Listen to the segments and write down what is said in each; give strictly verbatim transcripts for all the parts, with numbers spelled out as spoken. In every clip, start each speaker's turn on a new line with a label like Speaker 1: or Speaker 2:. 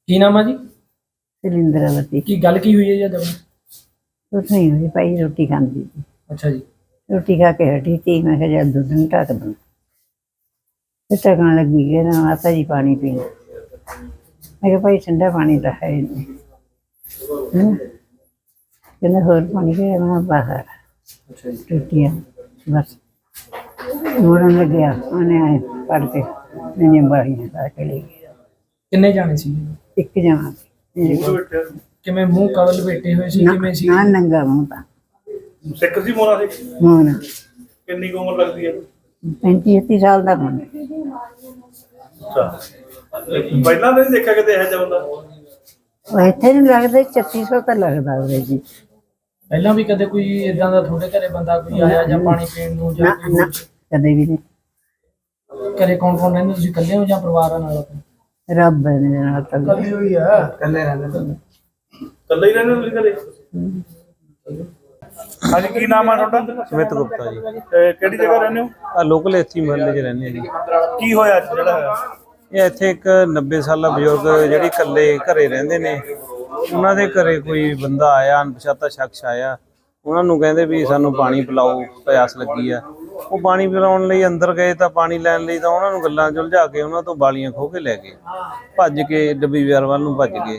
Speaker 1: ਕੀ ਨਾਮ ਆ ਜੀ?
Speaker 2: सिलिंदरावती
Speaker 1: ਕੀ ਗੱਲ ਕੀ ਹੋਈ ਹੈ ਜੀ ਅੱਜ?
Speaker 2: कुछ नहीं हुई भाई, रोटी खाती थी।
Speaker 1: ਅੱਛਾ ਜੀ।
Speaker 2: रोटी खा के हटी थी, मैं कहा जब दूध में ढक दूँ। फिर ढकन लगी कि ना माता जी पानी पीना। मैं कहा भाई ठंडा पानी तो है नहीं, है ना। कहना होर पानी के मैं बाहर
Speaker 1: ਅੱਛਾ ਜੀ।
Speaker 2: रोटियाँ बस मोड़न लग गया, उन्हें आए पढ़ के मैंने बाड़ियाँ ला के ले गया।
Speaker 1: ਕਿੰਨੇ ਜਾਣੇ ਸੀ?
Speaker 2: एक जमा
Speaker 1: ਕਿਵੇਂ ਮੂੰਹ ਕਵਲ ਬੈਠੇ ਹੋਏ ਸੀ? ਕਿਵੇਂ ਸੀ?
Speaker 2: ना नंगा मुँह था।
Speaker 3: ਸਿੱਖ ਸੀ ਮੋਨਾ ਸੀ?
Speaker 2: मोहना
Speaker 3: ਕਿੰਨੀ ਕੁ ਉਮਰ ਲੱਗਦੀ ਹੈ?
Speaker 2: पैंती छत्ती साल का मुंडा।
Speaker 3: ਅੱਛਾ, ਪਹਿਲਾਂ ਨਹੀਂ ਦੇਖਿਆ ਕਿਤੇ ਇਹੋ ਜਿਹਾ ਬੰਦਾ?
Speaker 2: ਉਹ ਇੱਥੇ ਨਹੀਂ ਲੱਗਦਾ, ਛੱਤੀ ਸੌ ਤਾਂ ਲੱਗਦਾ ਉਹਦੇ ਜੀ।
Speaker 1: ਪਹਿਲਾਂ ਵੀ ਕਦੇ ਕੋਈ ਇਦਾਂ ਦਾ ਤੁਹਾਡੇ ਘਰੇ ਬੰਦਾ ਕੋਈ ਆਇਆ ਜਾਂ ਪਾਣੀ ਪੀਣ ਨੂੰ ਜਾਂ
Speaker 2: ਨਾ
Speaker 1: ਕੋਈ
Speaker 2: ਨਾ ਕਦੇ ਵੀ ਨਹੀਂ।
Speaker 1: ਘਰੇ ਕੌਣ ਕੌਣ ਰਹਿੰਦੇ? ਤੁਸੀਂ ਇਕੱਲੇ ਹੋ ਜਾਂ ਪਰਿਵਾਰਾਂ ਨਾਲ?
Speaker 2: ਰੱਬ ਦੇ ਨਾਲ ਤਾਂ
Speaker 1: ਇਕੱਲੇ ਹੋਈ ਆ। ਇਕੱਲੇ ਰਹਿੰਦੇ ਨੇ।
Speaker 3: ਇਕੱਲੇ ਹੀ ਰਹਿੰਦੇ ਤੁਸੀਂ ਘਰੇ? ਹਾਂਜੀ, ਕੀ ਨਾਮ ਆ ਤੁਹਾਡਾ?
Speaker 4: ਸਮਿਤ ਗੁਪਤਾ ਜੀ।
Speaker 3: ਤੇ ਕਿਹੜੀ ਜਗ੍ਹਾ ਰਹਿੰਦੇ ਹੋ?
Speaker 4: ਆ ਲੋਕਲ ਇੱਥੇ ਮਹੱਲੇ 'ਚ ਰਹਿੰਦੇ ਆ ਜੀ।
Speaker 3: ਕੀ ਹੋਇਆ ਅੱਜ ਜਿਹੜਾ ਹੋਇਆ?
Speaker 4: ਇਹ ਇੱਥੇ ਇੱਕ ਨੱਬੇ ਸਾਲਾ ਬਜ਼ੁਰਗ ਜਿਹੜੀ ਇਕੱਲੇ ਘਰੇ ਰਹਿੰਦੇ ਨੇ, ਉਹਨਾਂ ਦੇ ਘਰੇ ਕੋਈ ਬੰਦਾ ਆਇਆ, ਅਣਪਛਾਤਾ ਸ਼ਖਸ ਆਇਆ। ਉਹਨਾਂ ਨੂੰ ਕਹਿੰਦੇ ਵੀ ਸਾਨੂੰ ਪਾਣੀ ਪਿਲਾਓ, ਪਿਆਸ ਲੱਗੀ ਆ। ਉਹ ਪਾਣੀ ਪਿਲਾਉਣ ਲਈ ਅੰਦਰ ਗਏ ਤਾਂ ਪਾਣੀ ਲੈਣ ਲਈ ਤਾਂ ਉਹਨਾਂ ਨੂੰ ਗੱਲਾਂ 'ਚ ਉਲਝਾ ਕੇ ਉਹਨਾਂ ਤੋਂ ਬਾਲੀਆਂ ਖੋਹ ਕੇ ਲੈ ਗਏ, ਭੱਜ ਕੇ ਡੱਬੀ ਬਾਜ਼ਾਰ ਵੱਲ ਨੂੰ ਭੱਜ ਗਏ।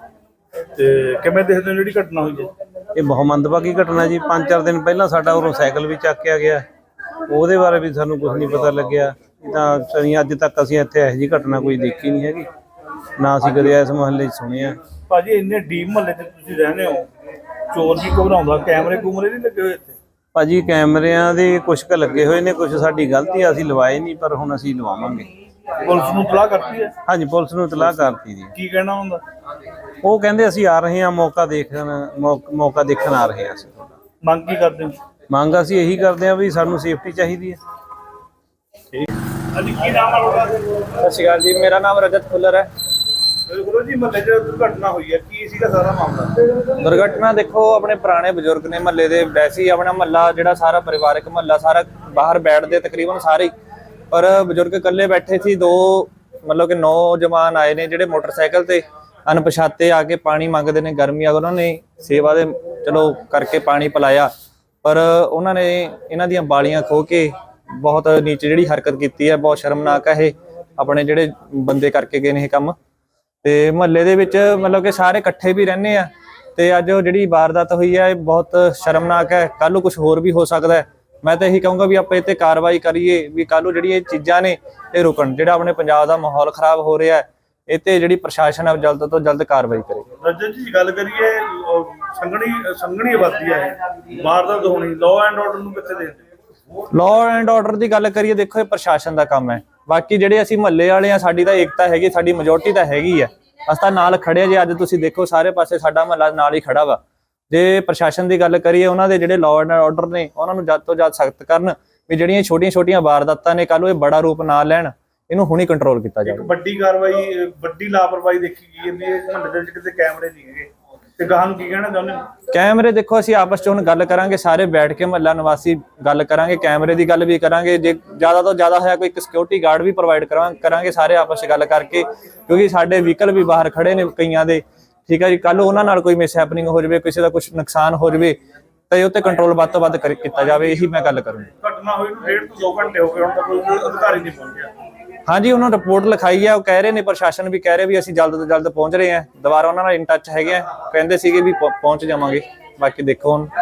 Speaker 3: ਤੇ ਕਿਵੇਂ ਦੇਖਦੇ ਹੋ ਜਿਹੜੀ ਘਟਨਾ ਹੋਈ ਹੈ?
Speaker 4: ਇਹ ਬਹੁਤ ਮੰਦਭਾਗੀ ਘਟਨਾ ਜੀ। ਪੰਜ ਚਾਰ ਦਿਨ ਪਹਿਲਾਂ ਸਾਡਾ ਉਰੋਂ ਸਾਈਕਲ ਵੀ ਚੱਕਿਆ ਗਿਆ, ਉਹਦੇ ਬਾਰੇ ਵੀ ਸਾਨੂੰ ਕੁਝ ਨਹੀਂ ਪਤਾ ਲੱਗਿਆ। ਤਾਂ ਅਸੀਂ ਅੱਜ ਤੱਕ ਅਸੀਂ ਇੱਥੇ ਇਹੋ ਜਿਹੀ ਘਟਨਾ ਕੋਈ ਦੇਖੀ ਨਹੀਂ ਹੈਗੀ, ਨਾ ਅਸੀਂ ਕਦੇ ਇਸ ਮੁਹੱਲੇ 'ਚ ਸੁਣਿਆ।
Speaker 3: ਭਾਜੀ ਇੰਨੇ ਡੀਪ ਮਹੱਲੇ 'ਚ ਤੁਸੀਂ ਰਹਿੰਦੇ ਹੋ, ਚੋਰ ਵੀ ਘਬਰਾਉਂਦਾ, ਕੈਮਰੇ ਕੂਮਰੇ ਨਹੀਂ ਲੱਗੇ ਹੋਏ ਇੱਥੇ?
Speaker 4: ਭਾਜੀ ਕੈਮਰਿਆਂ ਦੇ ਕੁਛ ਕੁ ਲੱਗੇ ਹੋਏ ਨੇ, ਕੁਛ ਸਾਡੀ ਗਲਤੀ ਆ, ਅਸੀਂ ਲਵਾਏ ਨਹੀਂ, ਪਰ ਹੁਣ ਅਸੀਂ ਲਵਾਵਾਂਗੇ।
Speaker 3: ਪੁਲਿਸ ਨੂੰ ਇਤਲਾਹ ਕਰਤੀ ਹੈ?
Speaker 4: ਹਾਂਜੀ, ਪੁਲਿਸ ਨੂੰ ਇਤਲਾਹ ਕਰਤੀ ਜੀ।
Speaker 3: ਕੀ ਕਹਿਣਾ ਹੁੰਦਾ?
Speaker 4: ਉਹ ਕਹਿੰਦੇ ਅਸੀਂ ਆ ਰਹੇ ਹਾਂ, ਮੌਕਾ ਦੇਖਣ ਮੌ- ਮੌਕਾ ਦੇਖਣ ਆ ਰਹੇ ਹਾਂ ਅਸੀਂ।
Speaker 3: ਮੰਗ ਕੀ ਕਰਦੇ ਹੋ?
Speaker 4: ਮੰਗ ਅਸੀਂ ਇਹੀ ਕਰਦੇ ਹਾਂ ਵੀ ਸਾਨੂੰ ਸੇਫਟੀ ਚਾਹੀਦੀ ਹੈ।
Speaker 3: ਹਾਂਜੀ, ਕੀ ਨਾਮ ਆ ਤੁਹਾਡਾ?
Speaker 5: ਸਤਿ ਸ਼੍ਰੀ ਅਕਾਲ ਜੀ, ਮੇਰਾ ਨਾਮ ਰਜਤ ਖੁੱਲਰ ਹੈ।
Speaker 3: ਗੁਰੂ ਜੀ, ਮਹੱਲੇ 'ਚ ਦੁਰਘਟਨਾ ਹੋਈ ਹੈ, ਕੀ ਸੀਗਾ ਸਾਰਾ ਮਾਮਲਾ?
Speaker 5: ਦੁਰਘਟਨਾ ਦੇਖੋ, ਆਪਣੇ ਪੁਰਾਣੇ ਬਜ਼ੁਰਗ ਨੇ ਮਹੱਲੇ ਦੇ, ਵੈਸੇ ਹੀ ਆਪਣਾ ਮਹੱਲਾ ਜਿਹੜਾ ਸਾਰਾ ਪਰਿਵਾਰਕ ਮਹੱਲਾ ਸਾਰਾ ਬਾਹਰ ਬੈਠਦੇ ਤਕਰੀਬਨ ਸਾਰੇ ਹੀ, ਪਰ ਬਜ਼ੁਰਗ ਇਕੱਲੇ ਬੈਠੇ ਸੀ। ਦੋ ਮਤਲਬ ਕਿ ਨੌਜਵਾਨ ਆਏ ਨੇ ਜਿਹੜੇ ਮੋਟਰਸਾਈਕਲ ਤੇ ਅਣਪਛਾਤੇ ਆ ਕੇ ਪਾਣੀ ਮੰਗਦੇ ਨੇ, ਗਰਮੀ ਆ, ਉਹਨਾਂ ਨੇ ਸੇਵਾ ਦੇ ਚਲੋ ਕਰਕੇ ਪਾਣੀ ਪਿਲਾਇਆ, ਪਰ ਉਹਨਾਂ ਨੇ ਇਹਨਾਂ ਦੀਆਂ ਬਾਲੀਆਂ ਖੋਹ ਕੇ ਬਹੁਤ ਨੀਚ ਜਿਹੜੀ ਹਰਕਤ ਕੀਤੀ ਹੈ, ਬਹੁਤ ਸ਼ਰਮਨਾਕ ਹੈ ਇਹ ਆਪਣੇ ਜਿਹੜੇ ਬੰਦੇ ਕਰਕੇ ਗਏ ਨੇ ਇਹ ਕੰਮ। ਤੇ ਮਹੱਲੇ ਦੇ ਵਿੱਚ ਮਤਲਬ ਕਿ ਸਾਰੇ ਇਕੱਠੇ ਵੀ ਰਹਿੰਦੇ ਆ, ਤੇ ਅੱਜ ਉਹ ਜਿਹੜੀ ਵਾਰਦਾਤ ਹੋਈ ਹੈ ਇਹ ਬਹੁਤ ਸ਼ਰਮਨਾਕ ਹੈ। ਕੱਲ੍ਹ ਨੂੰ ਕੁਝ ਹੋਰ ਵੀ ਹੋ ਸਕਦਾ ਹੈ। ਮੈਂ ਤਾਂ ਇਹੀ ਕਹੂੰਗਾ ਵੀ ਆਪਾਂ ਇਹ ਤੇ ਕਾਰਵਾਈ ਕਰੀਏ, ਵੀ ਕੱਲ੍ਹ ਨੂੰ ਜਿਹੜੀ ਇਹ ਚੀਜ਼ਾਂ ਨੇ ਇਹ ਰੁਕਣ। ਜਿਹੜਾ ਆਪਣੇ ਪੰਜਾਬ ਦਾ ਮਾਹੌਲ ਖਰਾਬ ਹੋ ਰਿਹਾ ਹੈ, ਇਹ ਤੇ ਜਿਹੜੀ ਪ੍ਰਸ਼ਾਸਨ ਹੈ ਜਲਦ ਤੋਂ ਜਲਦ ਕਾਰਵਾਈ ਕਰੇ।
Speaker 3: ਰਜਨ ਜੀ, ਗੱਲ ਕਰੀਏ ਸੰਘਣੀ ਸੰਘਣੀ ਆਬਾਦੀ ਹੈ, ਵਾਰਦਾਤ ਹੋਣੀ, ਲਾਅ ਐਂਡ ਆਰਡਰ ਨੂੰ ਕਿੱਥੇ ਦੇਖਦੇ?
Speaker 5: ਲਾਅ ਐਂਡ ਆਰਡਰ ਦੀ ਗੱਲ ਕਰੀਏ, ਦੇਖੋ ਇਹ ਪ੍ਰਸ਼ਾਸਨ ਦਾ ਕੰਮ ਹੈ। ਬਾਕੀ ਜਿਹੜੇ ਅਸੀਂ ਮਹੱਲੇ ਵਾਲੇ ਆ, ਸਾਡੀ ਤਾਂ ਏਕਤਾ ਹੈਗੀ, ਸਾਡੀ ਮੈਜੋਰਟੀ ਤਾਂ ਹੈਗੀ ਹੈ, ਅਸੀਂ ਤਾਂ ਨਾਲ ਖੜੇ ਜੇ। ਅੱਜ ਤੁਸੀਂ ਦੇਖੋ ਸਾਰੇ ਪਾਸੇ ਸਾਡਾ ਮਹੱਲਾ ਨਾਲ ਹੀ ਖੜਾ ਵਾ। ਜੇ ਪ੍ਰਸ਼ਾਸਨ ਦੀ ਗੱਲ ਕਰੀਏ, ਉਹਨਾਂ ਦੇ ਜਿਹੜੇ ਲਾਅ ਐਂਡ ਆਰਡਰ ਨੇ ਉਹਨਾਂ ਨੂੰ ਜਦ ਤੋਂ ਜਦ ਸਖਤ ਕਰਨ, ਵੀ ਜਿਹੜੀਆਂ ਛੋਟੀਆਂ ਛੋਟੀਆਂ ਵਾਰਦਾਤਾਂ ਨੇ ਕੱਲ੍ਹ ਨੂੰ ਇਹ ਬੜਾ ਰੂਪ ਨਾ ਲੈਣ, ਇਹਨੂੰ ਹੁਣੀ ਕੰਟਰੋਲ ਕੀਤਾ ਜਾਵੇ।
Speaker 3: ਇੱਕ ਵੱਡੀ ਕਾਰਵਾਈ, ਵੱਡੀ ਲਾਪਰਵਾਹੀ ਦੇਖੀ ਗਈ ਜਾਂਦੀ ਹੈ ਮਹੱਲੇ ਦੇ ਵਿੱਚ, ਕਿਤੇ ਕੈਮਰੇ ਨਹੀਂ ਹੈਗੇ, ਤੇ ਗਾਹਾਂ ਨੂੰ ਕੀ ਕਹਿਣਾ ਚਾਹੁੰਦੇ ਹੋ?
Speaker 5: ਕੈਮਰੇ ਦੇਖੋ, ਅਸੀਂ ਆਪਸ 'ਚ ਹੁਣ ਗੱਲ ਕਰਾਂਗੇ, ਸਾਰੇ ਬੈਠ ਕੇ ਮਹੱਲਾ ਨਿਵਾਸੀ ਗੱਲ ਕਰਾਂਗੇ, ਕੈਮਰੇ ਦੀ ਗੱਲ ਵੀ ਕਰਾਂਗੇ। ਜੇ ਜ਼ਿਆਦਾ ਤੋਂ ਜ਼ਿਆਦਾ ਹੋਇਆ ਕੋਈ ਇੱਕ ਸਿਕਿਉਰਿਟੀ ਗਾਰਡ ਵੀ ਪ੍ਰੋਵਾਈਡ ਕਰਾਂਗੇ ਸਾਰੇ ਆਪਸ 'ਚ ਗੱਲ ਕਰਕੇ, ਕਿਉਂਕਿ ਸਾਡੇ ਵਹੀਕਲ ਵੀ ਬਾਹਰ ਖੜੇ ਨੇ ਕਈਆਂ ਦੇ, ਠੀਕ ਹੈ ਜੀ। ਕੱਲ੍ਹ ਉਹਨਾਂ ਨਾਲ ਕੋਈ ਮਿਸ ਹੈਪਨਿੰਗ ਹੋ ਜਾਵੇ, ਕਿਸੇ ਦਾ ਕੁਝ ਨੁਕਸਾਨ ਹੋ ਜਾਵੇ, ਤਾਂ ਇਹ ਉੱਤੇ ਕੰਟਰੋਲ ਵੱਧ ਤੋਂ ਵੱਧ ਕੀਤਾ ਜਾਵੇ, ਇਹੀ ਮੈਂ ਗੱਲ ਕਰੂੰਗਾ।
Speaker 3: ਘਟਨਾ ਹੋਈ ਨੂੰ ਡੇਢ ਤੋਂ ਦੋ ਘੰਟੇ ਹੋ ਗਏ, ਹੁਣ ਤੱਕ ਕੋਈ ਅਧਿਕਾਰੀ ਨਹੀਂ ਪਹੁੰਚਿਆ।
Speaker 5: ਹਾਂਜੀ, ਉਹਨਾਂ ਨੂੰ ਰਿਪੋਰਟ ਲਿਖਾਈ ਹੈ, ਉਹ ਕਹਿ ਰਹੇ ਨੇ, ਪ੍ਰਸ਼ਾਸਨ ਵੀ ਕਹਿ ਰਹੇ ਵੀ ਅਸੀਂ ਜਲਦ ਤੋਂ ਜਲਦ ਪਹੁੰਚ ਰਹੇ ਹਾਂ। ਦੁਬਾਰਾ ਉਹਨਾਂ ਨਾਲ ਇਨ ਟੱਚ ਹੈਗੇ ਆ, ਕਹਿੰਦੇ ਸੀਗੇ ਵੀ ਪਹੁੰਚ ਜਾਵਾਂਗੇ। ਬਾਕੀ ਦੇਖੋ ਹੁਣ।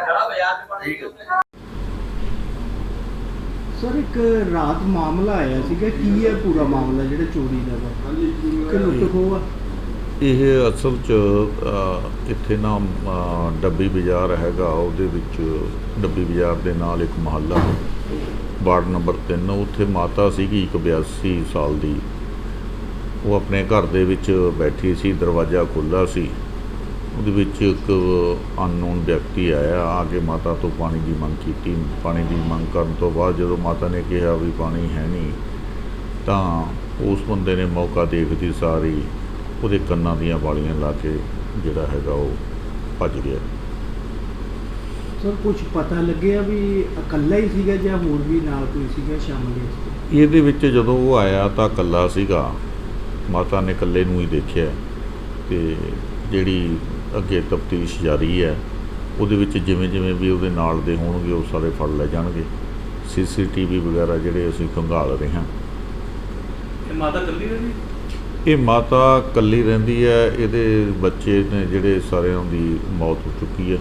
Speaker 6: ਸਰ, ਇੱਕ ਰਾਤ ਮਾਮਲਾ ਆਇਆ ਸੀਗਾ, ਕੀ ਹੈ ਪੂਰਾ ਮਾਮਲਾ ਜਿਹੜਾ ਚੋਰੀ ਦਾ ਵਾ ਕਿ ਲੁੱਟ ਖੋਹ ਆ?
Speaker 7: ਇਹ ਅਸਲ 'ਚ ਅ, ਇੱਥੇ ਨਾ ਅ, ਡੱਬੀ ਬਾਜ਼ਾਰ ਹੈਗਾ, ਉਹਦੇ ਵਿੱਚ ਡੱਬੀ ਬਾਜ਼ਾਰ ਦੇ ਨਾਲ ਇੱਕ ਮੁਹੱਲਾ ਵਾਰਡ ਨੰਬਰ ਤਿੰਨ, ਉੱਥੇ ਮਾਤਾ ਸੀਗੀ ਇੱਕ ਬਿਆਸੀ ਸਾਲ ਦੀ। ਉਹ ਆਪਣੇ ਘਰ ਦੇ ਵਿੱਚ ਬੈਠੀ ਸੀ, ਦਰਵਾਜ਼ਾ ਖੁੱਲ੍ਹਾ ਸੀ, ਉਹਦੇ ਵਿੱਚ ਇੱਕ ਅਨਨੋਨ ਵਿਅਕਤੀ ਆਇਆ, ਆ ਕੇ ਮਾਤਾ ਤੋਂ ਪਾਣੀ ਦੀ ਮੰਗ ਕੀਤੀ। ਪਾਣੀ ਦੀ ਮੰਗ ਕਰਨ ਤੋਂ ਬਾਅਦ ਜਦੋਂ ਮਾਤਾ ਨੇ ਕਿਹਾ ਵੀ ਪਾਣੀ ਹੈ ਨਹੀਂ, ਤਾਂ ਉਸ ਬੰਦੇ ਨੇ ਮੌਕਾ ਦੇਖਦੀ ਸਾਰੀ ਉਹਦੇ ਕੰਨਾਂ ਦੀਆਂ ਵਾਲੀਆਂ ਲਾ ਕੇ ਜਿਹੜਾ ਹੈਗਾ ਉਹ ਭੱਜ ਗਿਆ।
Speaker 6: ਸਰ, ਕੁਝ ਪਤਾ ਲੱਗਿਆ ਵੀ ਇਕੱਲਾ ਹੀ ਸੀਗਾ ਜਾਂ ਹੋਰ ਵੀ ਨਾਲ ਕੋਈ ਸੀਗਾ ਸ਼ਾਮਲ ਇਸ 'ਚ?
Speaker 7: ਇਹਦੇ ਵਿੱਚ ਜਦੋਂ ਉਹ ਆਇਆ ਤਾਂ ਇਕੱਲਾ ਸੀਗਾ, ਮਾਤਾ ਨੇ ਇਕੱਲੇ ਨੂੰ ਹੀ ਦੇਖਿਆ। ਤੇ ਜਿਹੜੀ ਅੱਗੇ ਤਫਤੀਸ਼ ਜਾਰੀ ਹੈ ਉਹਦੇ ਵਿੱਚ ਜਿਵੇਂ ਜਿਵੇਂ ਵੀ ਉਹਦੇ ਨਾਲ ਦੇ ਹੋਣਗੇ ਉਹ ਸਾਰੇ ਫੜ ਲੈ ਜਾਣਗੇ। ਸੀ ਸੀ ਟੀ ਵੀ ਵਗੈਰਾ ਜਿਹੜੇ ਅਸੀਂ ਖੰਗਾਲ ਰਹੇ ਹਾਂ।
Speaker 3: ਇਹ ਮਾਤਾ ਇਕੱਲੀ ਰਹਿੰਦੀ?
Speaker 7: ਇਹ ਮਾਤਾ ਇਕੱਲੀ ਰਹਿੰਦੀ ਹੈ, ਇਹਦੇ ਬੱਚੇ ਨੇ ਜਿਹੜੇ ਸਾਰਿਆਂ ਦੀ ਮੌਤ ਹੋ ਚੁੱਕੀ ਹੈ।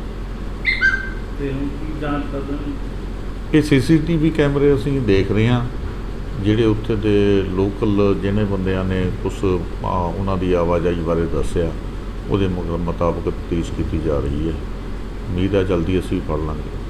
Speaker 3: ਤੇ ਹੁਣ ਕੀ ਜਾਂਚ ਕਰਦੇ ਨੇ?
Speaker 7: ਇਹ ਸੀ ਸੀ ਟੀ ਵੀ ਕੈਮਰੇ ਅਸੀਂ ਦੇਖ ਰਹੇ ਹਾਂ, ਜਿਹੜੇ ਉੱਥੇ ਦੇ ਲੋਕਲ ਜਿਹਨੇ ਬੰਦਿਆਂ ਨੇ ਕੁਛ ਆ, ਉਹਨਾਂ ਦੀ ਆਵਾਜਾਈ ਬਾਰੇ ਦੱਸਿਆ, ਉਹਦੇ ਮੁਤਾਬਕ ਤਫਤੀਸ਼ ਕੀਤੀ ਜਾ ਰਹੀ ਹੈ। ਉਮੀਦ ਹੈ ਜਲਦੀ ਅਸੀਂ ਫੜ ਲਾਂਗੇ।